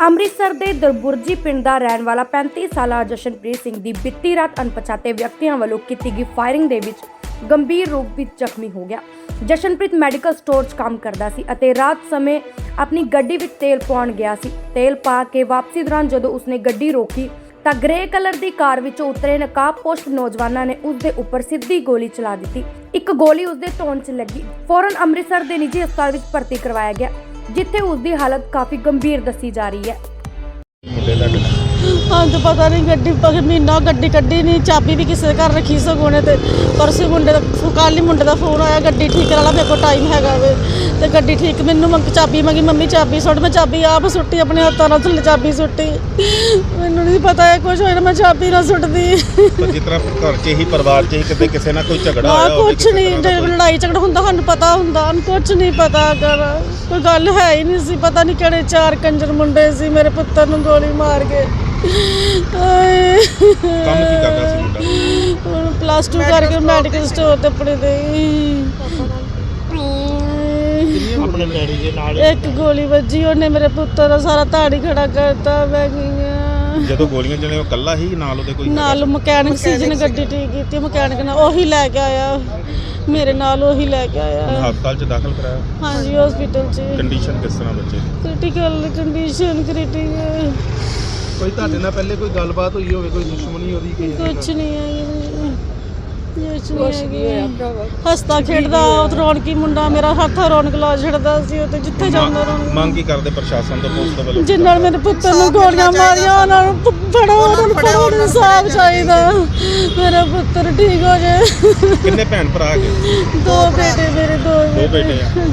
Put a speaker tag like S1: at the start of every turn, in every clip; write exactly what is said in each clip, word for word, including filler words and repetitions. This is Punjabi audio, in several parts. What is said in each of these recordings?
S1: ਅੰਮ੍ਰਿਤਸਰ ਦੇ ਦਰਬੁਰਜੀ ਪਿੰਡ ਦਾ ਰਹਿਣ ਵਾਲਾ ਪੈਂਤੀ ਸਾਲਾ ਜਸ਼ਨਪ੍ਰੀਤ ਸਿੰਘ ਦੀ ਬੀਤੀ ਰਾਤ ਅਣਪਛਾਤੇ ਵਿਅਕਤੀਆਂ ਵੱਲੋਂ ਕੀਤੀ ਗਈ ਫਾਇਰਿੰਗ ਦੇ ਵਿੱਚ ਗੰਭੀਰ ਰੂਪ ਵਿੱਚ ਜ਼ਖਮੀ ਹੋ ਗਿਆ। ਜਸ਼ਨਪ੍ਰੀਤ ਮੈਡੀਕਲ ਸਟੋਰ 'ਚ ਕੰਮ ਕਰਦਾ ਸੀ ਅਤੇ ਰਾਤ ਸਮੇਂ ਆਪਣੀ ਗੱਡੀ ਵਿੱਚ ਤੇਲ ਪਾਉਣ ਗਿਆ ਸੀ। ਤੇਲ ਪਾ ਕੇ ਵਾਪਸੀ ਦੌਰਾਨ ਜਦੋਂ ਉਸਨੇ ਗੱਡੀ ਰੋਕੀ ਤਾਂ ਗ੍ਰੇ ਕਲਰ ਦੀ ਕਾਰ ਵਿੱਚੋਂ ਉਤਰੇ ਨਕਾਬਪੋਸ਼ ਨੌਜਵਾਨਾਂ ਨੇ ਉਸ ਦੇ ਉੱਪਰ ਸਿੱਧੀ ਗੋਲੀ ਚਲਾ ਦਿੱਤੀ। ਇੱਕ ਗੋਲੀ ਉਸਦੇ ਧੌਣ 'ਚ ਲੱਗੀ। ਫੌਰਨ ਅੰਮ੍ਰਿਤਸਰ ਦੇ ਨਿੱਜੀ ਹਸਪਤਾਲ ਵਿੱਚ ਭਰਤੀ ਕਰਵਾਇਆ ਗਿਆ, ਜਿੱਥੇ ਉਸ ਦੀ ਹਾਲਤ ਕਾਫੀ ਗੰਭੀਰ ਦੱਸੀ ਜਾ ਰਹੀ ਹੈ।
S2: ਹਾਂ ਤਾਂ ਪਤਾ नहीं गड्डी महीना गड्डी कड्डी नहीं, चाबी भी किसी घर रखी सगों ने। तो परसों मुंडे कल ही मुंडे का फोन आया गड्डी ठीक करा ला, मेरे को टाइम हैगा वे तो गड्डी ठीक। मैनू मंग चाबी मंगी, मम्मी चाबी सुट, मैं चाबी आप सुट्टी अपने हत्थों नाल थल्ले चाबी सुट्टी। मैनू नहीं पता है कुछ होया, मैं चाबी ना सुटदी।
S3: जिस तरह घर च ही परिवार च ही किते किसी ना कोई झगड़ा
S2: होया कुछ नहीं, लड़ाई झगड़ा हुंदा सानू पता हुंदा, कुछ नहीं पता कर कोई गल है ही नहीं सी। पता नहीं किहड़े चार कंजर मुंडे सी मेरे पुत्तर नू गोली मार के।
S3: ਕੰਮ ਕੀ ਕਰਦਾ ਸੀ ਮੁੰਡਾ?
S2: ਹੁਣ ਪਲੱਸ ਟੂ ਕਰਕੇ ਮੈਡੀਕਲ ਸਟੋਰ ਤੇ ਆਪਣੇ ਦੇ
S3: ਆਪਣੇ ਡੈਡੀ ਦੇ ਨਾਲ
S2: ਇੱਕ ਗੋਲੀ ਵੱਜੀ, ਉਹਨੇ ਮੇਰੇ ਪੁੱਤਰ ਦਾ ਸਾਰਾ ਧਾੜੀ ਖੜਾ ਕਰਤਾ। ਮੈਂ ਗਈਆਂ
S3: ਜਦੋਂ ਗੋਲੀਆਂ ਚਲੇ ਉਹ ਕੱਲਾ ਹੀ ਨਾਲ ਉਹਦੇ ਕੋਈ
S2: ਨਾਲ ਮਕੈਨਿਕ ਸੀ ਜਿਹਨੇ ਗੱਡੀ ਠੀਕ ਕੀਤੀ, ਮਕੈਨਿਕ ਨਾਲ ਉਹੀ ਲੈ ਕੇ ਆਇਆ, ਮੇਰੇ ਨਾਲ ਉਹੀ ਲੈ ਕੇ ਆਇਆ।
S3: ਹਸਪਤਾਲ ਚ ਦਾਖਲ ਕਰਾਇਆ?
S2: ਹਾਂਜੀ ਹਸਪੀਟਲ ਚ।
S3: ਕੰਡੀਸ਼ਨ ਕਿਸ ਤਰ੍ਹਾਂ ਬੱਚੇ ਦੀ?
S2: Critical condition critical.
S3: ਕੋਈ ਤੁਹਾਡੇ ਨਾਲ ਪਹਿਲੇ ਕੋਈ ਗੱਲਬਾਤ ਹੋਈ ਹੋਵੇ, ਕੋਈ ਦੁਸ਼ਮਣੀ ਉਹਦੀ ਕੋਈ?
S2: ਕੁਛ ਨਹੀਂ ਹੈ, ਕੁਛ ਨਹੀਂ ਹੈ। ਹੱਸਦਾ ਖੇਡਦਾ ਰੌਣਕੀ ਮੁੰਡਾ, ਮੇਰਾ ਹੱਥ ਰੌਣਕ ਲਾ ਛੱਡਦਾ ਸੀ ਉਹ ਤੇ ਜਿੱਥੇ ਜਾਂਦਾ ਰੌਣਕ।
S3: ਮੰਗ ਕੀ ਕਰਦੇ ਪ੍ਰਸ਼ਾਸਨ ਤੋਂ, ਪੁਲਿਸ ਤੋਂ ਵੱਲੋਂ?
S2: ਜਿਨ੍ਹਾਂ ਨੇ ਮੇਰੇ ਪੁੱਤਰ ਨੂੰ ਗੋਲੀਆਂ ਮਾਰੀਆਂ ਉਹਨਾਂ ਨੂੰ ਫੜੋ, ਉਹਨਾਂ ਨੂੰ ਫੜੋ, ਇਨਸਾਫ ਚਾਹੀਦਾ, ਮੇਰਾ ਪੁੱਤਰ ਠੀਕ ਹੋ ਜਾਏ।
S3: ਕਿੰਨੇ ਭੈਣ ਭਰਾ ਹੈਗੇ?
S2: ਦੋ ਬੇਟੇ ਮੇਰੇ, ਦੋ
S3: ਦੋ ਬੇਟੇ ਆ।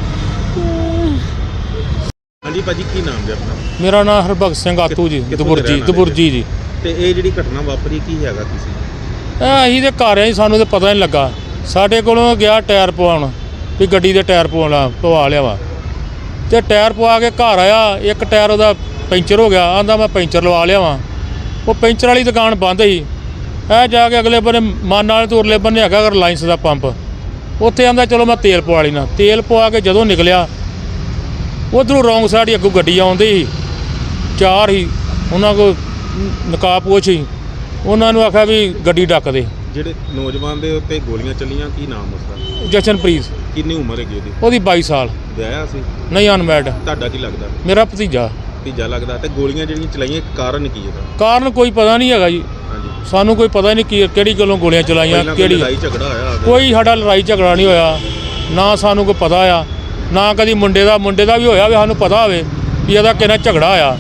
S3: ਹਾਂਜੀ ਭਾਜੀ, ਕੀ ਨਾਮ ਜੀ ਆਪਣਾ?
S4: ਮੇਰਾ ਨਾਮ ਹਰਭਗਤ ਸਿੰਘ ਆਤੂ ਜੀ, ਦਬੁਰਜੀ ਦਬੁਰਜੀ ਜੀ।
S3: ਤੇ ਇਹ ਜਿਹੜੀ ਘਟਨਾ ਵਾਪਰੀ ਕੀ ਹੈਗਾ ਕਿਸੇ?
S4: ਇਹ ਅਸੀਂ ਤੇ ਘਰ ਆ ਜੀ, ਸਾਨੂੰ ਤੇ ਪਤਾ ਨਹੀਂ ਲੱਗਾ। ਸਾਡੇ ਕੋਲੋਂ ਗਿਆ ਟਾਇਰ ਪਵਾਉਣ ਵੀ ਗੱਡੀ ਦੇ ਟਾਇਰ ਪਵਾਉਣਾ ਪਵਾ ਲਿਆ ਵਾ, ਤੇ ਟਾਇਰ ਪਵਾ ਕੇ ਘਰ ਆਇਆ, ਇੱਕ ਟਾਇਰ ਉਹਦਾ ਪੈਂਚਰ ਹੋ ਗਿਆ। ਆਂਦਾ ਮੈਂ ਪੈਂਚਰ ਲਵਾ ਲਿਆ ਵਾਂ। ਉਹ ਪੈਂਚਰ ਵਾਲੀ ਦੁਕਾਨ ਬੰਦ ਸੀ। ਇਹ ਜਾ ਕੇ ਅਗਲੇ ਬੰਨੇ ਮਨ ਵਾਲੇ ਤੋਂ ਉਰਲੇ ਬੰਨੇ ਹੈਗਾ ਰਿਲਾਇੰਸ ਦਾ ਪੰਪ, ਉੱਥੇ ਆਂਦਾ ਚਲੋ ਮੈਂ ਤੇਲ ਪਵਾ ਲੈਣਾ। ਤੇਲ ਪਵਾ ਕੇ ਜਦੋਂ ਨਿਕਲਿਆ ਉੱਧਰੋਂ ਰੌਂਗ ਸਾਈਡ ਹੀ ਅੱਗੋਂ ਗੱਡੀ ਆਉਂਦੀ ਸੀ, ਚਾਰ ਹੀ ਉਹਨਾਂ ਕੋਲ ਨਕਾਬਪੋਸ਼ ਸੀ। ਉਹਨਾਂ ਨੂੰ ਆਖਿਆ ਵੀ ਗੱਡੀ ਡੱਕ ਦੇ।
S3: ਜਿਹੜੇ ਨੌਜਵਾਨ ਦੇ ਉੱਤੇ ਗੋਲੀਆਂ ਚੱਲੀਆਂ, ਕੀ ਨਾਮ ਉਸਦਾ?
S4: ਜਸ਼ਨਪ੍ਰੀਤ।
S3: ਕਿੰਨੀ ਉਮਰ ਹੈਗੀ ਉਹਦੀ?
S4: ਉਹਦੀ ਬਾਈ ਸਾਲ।
S3: ਵਿਆਹਿਆ ਸੀ?
S4: ਨਹੀਂ, ਅਨਮੈਰਿਡ।
S3: ਤੁਹਾਡਾ ਕੀ ਲੱਗਦਾ?
S4: ਮੇਰਾ ਭਤੀਜਾ।
S3: ਭਤੀਜਾ ਲੱਗਦਾ। ਤੇ ਗੋਲੀਆਂ ਜਿਹੜੀਆਂ ਚਲਾਈਆਂ ਕਾਰਨ ਕੀ ਇਹਦਾ?
S4: ਕਾਰਨ ਕੋਈ ਪਤਾ ਨਹੀਂ ਹੈਗਾ ਜੀ,
S3: ਹਾਂਜੀ।
S4: ਸਾਨੂੰ ਕੋਈ ਪਤਾ ਨਹੀਂ ਕੀ ਕਿਹੜੀ ਗੱਲੋਂ ਗੋਲੀਆਂ ਚਲਾਈਆਂ, ਕਿਹੜੀ
S3: ਲੜਾਈ ਝਗੜਾ ਹੋਇਆ?
S4: ਕੋਈ ਸਾਡਾ ਲੜਾਈ ਝਗੜਾ ਨਹੀਂ ਹੋਇਆ, ਨਾ ਸਾਨੂੰ ਕੋਈ ਪਤਾ ਆ, ਨਾ ਕਦੀ ਮੁੰਡੇ ਦਾ ਮੁੰਡੇ ਦਾ ਵੀ ਹੋਇਆ ਵੀ ਸਾਨੂੰ ਪਤਾ ਹੋਵੇ ਵੀ ਇਹਦਾ ਕਿਹਨਾਂ ਝਗੜਾ ਹੋਇਆ।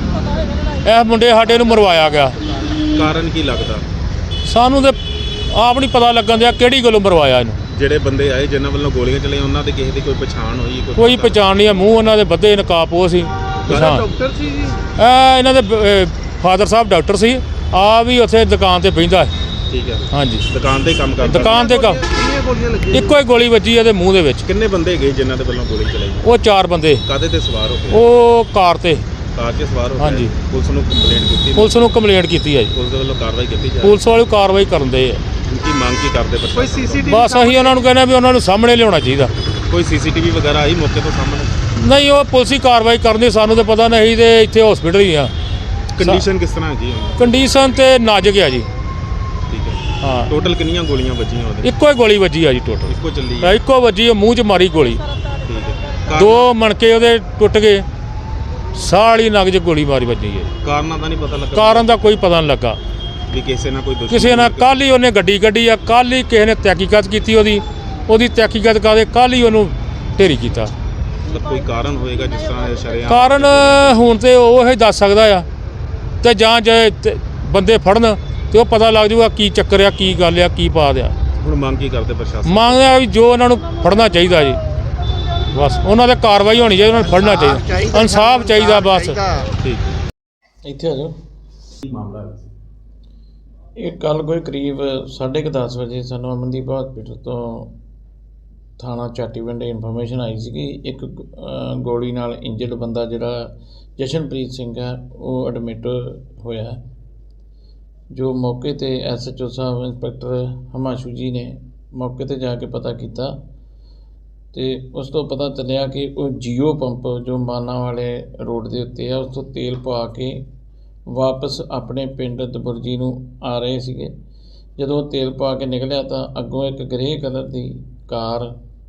S4: ਇਹ ਮੁੰਡੇ ਸਾਡੇ ਨੂੰ ਮਰਵਾਇਆ ਗਿਆ।
S3: ਕਾਰਨ ਕੀ ਲੱਗਦਾ?
S4: ਸਾਨੂੰ ਤੇ ਆਪ ਨਹੀਂ ਪਤਾ ਲੱਗਣ ਦਿਆ ਕਿਹੜੀ ਗੱਲੋਂ ਮਰਵਾਇਆ ਇਹਨੂੰ।
S3: ਜਿਹੜੇ ਬੰਦੇ ਆਏ ਜਿਨ੍ਹਾਂ ਵੱਲੋਂ ਗੋਲੀਆਂ ਚਲਾਈਆਂ ਉਹਨਾਂ ਦੇ ਕਿਸੇ ਦੀ ਕੋਈ ਪਛਾਣ ਹੋਈ?
S4: ਕੋਈ ਪਛਾਣ ਨਹੀਂ ਆ, ਮੂੰਹ ਉਹਨਾਂ ਦੇ ਬੱਧੇ ਨਕਾਬਪੋਸ਼ ਸੀ।
S3: ਡਾਕਟਰ ਸੀ ਜੀ?
S4: ਇਹ ਇਹਨਾਂ ਦੇ ਫਾਦਰ ਸਾਹਿਬ ਡਾਕਟਰ ਸੀ, ਆ ਵੀ ਉੱਥੇ ਦੁਕਾਨ ਤੇ ਬਹਿੰਦਾ।
S3: ਠੀਕ ਹੈ।
S4: ਹਾਂਜੀ,
S3: ਦੁਕਾਨ ਤੇ ਕੰਮ ਕਰਦਾ।
S4: ਦੁਕਾਨ ਤੇ ਕੰਮ।
S3: ਕਿੰਨੀਆਂ ਗੋਲੀਆਂ ਲੱਗੀਆਂ?
S4: ਇੱਕੋ ਹੀ ਗੋਲੀ ਵੱਜੀ ਇਹਦੇ ਮੂੰਹ ਦੇ ਵਿੱਚ।
S3: ਕਿੰਨੇ ਬੰਦੇ ਗਏ ਜਿਨ੍ਹਾਂ ਦੇ ਵੱਲੋਂ ਗੋਲੀ ਚਲਾਈ?
S4: ਉਹ ਚਾਰ ਬੰਦੇ।
S3: ਕਾਹਦੇ ਤੇ ਸਵਾਰ ਹੋ ਗਏ?
S4: ਉਹ ਕਾਰ ਤੇ।
S3: ਕਾਰ 'ਚ ਸਵਾਰ ਹੋ ਗਏ?
S4: ਹਾਂਜੀ।
S3: ਪੁਲਿਸ ਨੂੰ ਕੰਪਲੇਂਟ ਕੀਤੀ?
S4: ਪੁਲਿਸ ਨੂੰ ਕੰਪਲੇਂਟ ਕੀਤੀ ਹੈ ਜੀ।
S3: ਪੁਲਿਸ ਦੇ ਵੱਲੋਂ ਕਾਰਵਾਈ ਕੀਤੀ ਜਾ ਰਹੀ?
S4: ਪੁਲਿਸ ਵਾਲੇ ਕਾਰਵਾਈ ਕਰਨ ਦੇ ਆ।
S3: ਕੀ ਮੰਗ ਕੀ ਕਰਦੇ? ਕੋਈ ਸੀਸੀਟੀਵੀ?
S4: ਬਸ ਅਸੀਂ ਉਹਨਾਂ ਨੂੰ ਕਹਿੰਦੇ ਵੀ ਉਹਨਾਂ ਨੂੰ ਸਾਹਮਣੇ ਲਿਆਉਣਾ ਚਾਹੀਦਾ।
S3: ਕੋਈ ਸੀਸੀਟੀਵੀ ਵਗੈਰਾ ਆਈ ਮੌਕੇ ਤੋਂ ਸਾਹਮਣੇ?
S4: ਨਹੀਂ, ਉਹ ਪੁਲਿਸ ਹੀ ਕਾਰਵਾਈ ਕਰਨੀ, ਸਾਨੂੰ ਤਾਂ ਪਤਾ ਨਹੀਂ। ਤੇ ਇੱਥੇ ਹਸਪੀਟਲ ਹੀ ਆ।
S3: ਕੰਡੀਸ਼ਨ ਕਿਸ ਤਰ੍ਹਾਂ ਹੈਗੀ?
S4: ਕੰਡੀਸ਼ਨ ਤੇ ਨਾਜ਼ੁਕ ਆ ਜੀ।
S3: ਠੀਕ ਹੈ।
S4: ਹਾਂ।
S3: ਟੋਟਲ ਕਿੰਨੀਆਂ ਗੋਲੀਆਂ ਵੱਜੀਆਂ ਉਹਦੇ?
S4: ਇੱਕੋ ਹੀ ਗੋਲੀ ਵੱਜੀ ਆ ਜੀ ਟੋਟਲ।
S3: ਇੱਕੋ ਚੱਲੀ ਹੈ?
S4: ਇੱਕੋ ਵੱਜੀ, ਉਹ ਮੂੰਹ 'ਚ ਮਾਰੀ ਗੋਲੀ।
S3: ਠੀਕ ਹੈ।
S4: ਦੋ ਮਣਕੇ ਉਹਦੇ ਟੁੱਟ ਗਏ, ਸਾਹ ਵਾਲੀ ਨਗ 'ਚ ਗੋਲੀ ਮਾਰੀ ਵੱਜੀ ਹੈ।
S3: ਕਾਰਨਾਂ ਦਾ ਨਹੀਂ ਪਤਾ ਲੱਗਾ?
S4: ਕਾਰਨ ਦਾ ਕੋਈ ਪਤਾ ਨਹੀਂ ਲੱਗਾ
S3: ਵੀ ਕਿਸੇ ਨਾਲ ਕੋਈ ਦੁਸ਼ਮਣੀ?
S4: ਕਿਸੇ ਨਾਲ ਕੱਲ੍ਹ ਹੀ ਉਹਨੇ ਗੱਡੀ ਕੱਢੀ ਆ, ਕੱਲ੍ਹ ਹੀ ਕਿਸੇ ਨੇ ਤਹਿਕੀਕਤ ਕੀਤੀ ਉਹਦੀ ਉਹਦੀ ਤਹਿਕੀਕਤ ਕਰਦੇ ਕੱਲ੍ਹ ਹੀ ਉਹਨੂੰ ਢੇਰੀ ਕੀਤਾ।
S3: ਮਤਲਬ ਕੋਈ ਕਾਰਨ ਹੋਏਗਾ ਜਿਸ ਤਰ੍ਹਾਂ ਇਹ ਸ਼ਰੇਆਮ?
S4: ਕਾਰਨ ਹੁਣ ਤੇ ਉਹ ਹੀ ਦੱਸ ਸਕਦਾ ਆ, ਤੇ ਜਾਂ ਜੇ ਤੇ ਬੰਦੇ ਫੜਨ ਤੇ ਉਹ ਪਤਾ ਲੱਗ ਜਾਊਗਾ ਕੀ ਚੱਕਰ ਆ, ਕੀ ਗੱਲ ਆ, ਕੀ ਪਾ ਦਿਆ।
S3: ਹੁਣ ਮੰਗ ਕੀ ਕਰਦੇ ਪ੍ਰਸ਼ਾਸਨ?
S4: ਮੰਗਦਾ ਵੀ ਜੋ ਉਹਨਾਂ ਨੂੰ ਫੜਨਾ ਚਾਹੀਦਾ ਜੀ, ਬਸ ਉਹਨਾਂ ਤੇ ਕਾਰਵਾਈ ਹੋਣੀ ਚਾਹੀਦੀ, ਉਹਨਾਂ ਨੂੰ ਫੜਨਾ ਚਾਹੀਦਾ, ਇਨਸਾਫ ਚਾਹੀਦਾ ਬਸ।
S3: ਠੀਕ।
S5: ਇੱਥੇ ਆ ਜਾਓ।
S3: ਕੀ ਮਾਮਲਾ ਹੈ?
S5: ਇਹ ਕੱਲ ਕੋਈ ਕਰੀਬ ਸਾਢੇ ਕੁ ਦਸ ਵਜੇ ਸਾਨੂੰ ਅਮਨਦੀਪ ਹਸਪੀਟਲ ਤੋਂ ਥਾਣਾ ਚਾਟੀਵਿੰਡ ਇਨਫੋਰਮੇਸ਼ਨ ਆਈ ਸੀ ਕਿ ਇੱਕ ਅ, ਗੋਲੀ ਨਾਲ ਇੰਜਰਡ ਬੰਦਾ ਜਿਹੜਾ ਜਸ਼ਨਪ੍ਰੀਤ ਸਿੰਘ ਹੈ ਉਹ ਐਡਮਿਟ ਹੋਇਆ। ਜੋ ਮੌਕੇ ਤੇ S H O sahib inspector Himanshu ji ਨੇ ਮੌਕੇ ਤੇ ਜਾ ਕੇ ਪਤਾ ਕੀਤਾ ਤੇ ਉਸ ਤੋਂ ਪਤਾ ਚੱਲਿਆ ਕਿ ਉਹ ਜੀਓ ਪੰਪ ਜੋ ਮਾਨਾ ਵਾਲੇ ਰੋਡ ਦੇ ਉੱਤੇ ਆ ਉਸ ਤੋਂ ਤੇਲ ਪਵਾ ਕੇ ਵਾਪਸ ਆਪਣੇ ਪਿੰਡ ਦਬੁਰਜੀ ਨੂੰ ਆ ਰਹੇ ਸੀਗੇ। ਜਦੋਂ ਉਹ ਤੇਲ ਪਾ ਕੇ ਨਿਕਲਿਆ ਤਾਂ ਅੱਗੋਂ ਇੱਕ ਗ੍ਰੇ ਕਲਰ ਦੀ ਕਾਰ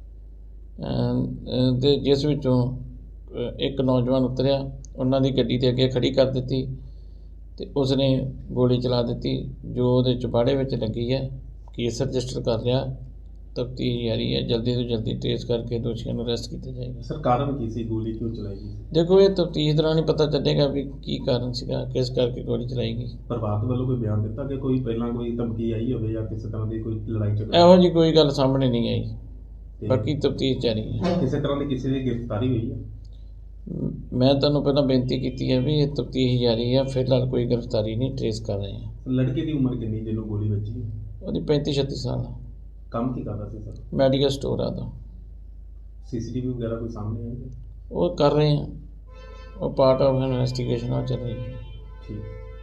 S5: ਤੇ ਜਿਸ ਵਿੱਚੋਂ ਅ, ਇੱਕ ਨੌਜਵਾਨ ਉਤਰਿਆ, ਉਹਨਾਂ ਦੀ ਗੱਡੀ ਦੇ ਅੱਗੇ ਖੜੀ ਕਰ ਦਿੱਤੀ ਤੇ ਉਸਨੇ ਗੋਲੀ ਚਲਾ ਦਿੱਤੀ ਜੋ ਉਹਦੇ ਚੁਬਾੜੇ ਵਿੱਚ ਲੱਗੀ ਹੈ। ਕੇਸ ਰਜਿਸਟਰ ਕਰ ਲਿਆ, ਤਫਤੀਸ਼ ਜਾਰੀ ਹੈ। ਜਲਦੀ ਤੋਂ ਜਲਦੀ ਟ੍ਰੇਸ ਕਰਕੇ ਦੋਸ਼ੀਆਂ ਨੂੰ ਅਰੈਸਟ ਕੀਤਾ ਜਾਏਗਾ।
S6: ਸਰ ਕਾਰਨ ਕੀ ਸੀ, ਗੋਲੀ ਕਿਉਂ ਚਲਾਈ ਗਈ?
S5: ਦੇਖੋ ਇਹ ਤਫਤੀਸ਼ ਦੌਰਾਨ ਹੀ ਪਤਾ ਚੱਲੇਗਾ ਵੀ ਕੀ ਕਾਰਨ ਸੀਗਾ, ਕਿਸ ਕਰਕੇ ਗੋਲੀ ਚਲਾਈ ਗਈ।
S6: ਪਰਿਵਾਰ ਵੱਲੋਂ ਕੋਈ ਬਿਆਨ ਦਿੱਤਾ ਕਿ ਕੋਈ ਪਹਿਲਾਂ ਕੋਈ ਧਮਕੀ ਆਈ ਹੋਵੇ ਜਾਂ ਕਿਸੇ ਤਰ੍ਹਾਂ ਦੀ ਕੋਈ ਲੜਾਈ ਝਗੜਾ?
S5: ਇਹੋ ਜਿਹੀ ਕੋਈ ਗੱਲ ਸਾਹਮਣੇ ਨਹੀਂ ਆਈ,
S6: ਤੇ
S5: ਬਾਕੀ ਤਫਤੀਸ਼ ਜਾਰੀ ਹੈ।
S6: ਕਿਸੇ ਤਰ੍ਹਾਂ ਦੀ ਕਿਸੇ ਦੀ ਗ੍ਰਿਫਤਾਰੀ ਹੋਈ ਹੈ?
S5: ਮ- ਮੈਂ ਤੁਹਾਨੂੰ ਪਹਿਲਾਂ ਬੇਨਤੀ ਕੀਤੀ ਹੈ ਵੀ ਇਹ ਤਫਤੀਸ਼ ਜਾਰੀ ਹੈ, ਫਿਲਹਾਲ ਕੋਈ ਗ੍ਰਿਫਤਾਰੀ ਨਹੀਂ, ਟ੍ਰੇਸ ਕਰ ਰਹੇ ਹਾਂ।
S6: ਲੜਕੇ ਦੀ ਉਮਰ ਕਿੰਨੀ ਜਿਹਨੂੰ ਗੋਲੀ ਵੱਜੀ?
S5: ਉਹਦੀ ਪੈਂਤੀ ਛੱਤੀ ਸਾਲ ਆ,
S6: ਕੰਮ ਕੀ ਕਰਦਾ ਸੀ ਸਰ?
S5: ਮੈਡੀਕਲ ਸਟੋਰ ਆ ਦਾ।
S6: ਸੀਸੀਟੀਵੀ ਵਗੈਰਾ ਕੋਈ ਸਾਹਮਣੇ ਆਈ?
S5: ਉਹ ਕਰ ਰਹੇ ਹਾਂ, ਉਹ ਪਾਰਟ ਆਫ ਇਨਵੈਸਟੀਗੇਸ਼ਨ ਆ ਚੱਲ ਰਹੀ ਹੈ।
S6: ਠੀਕ।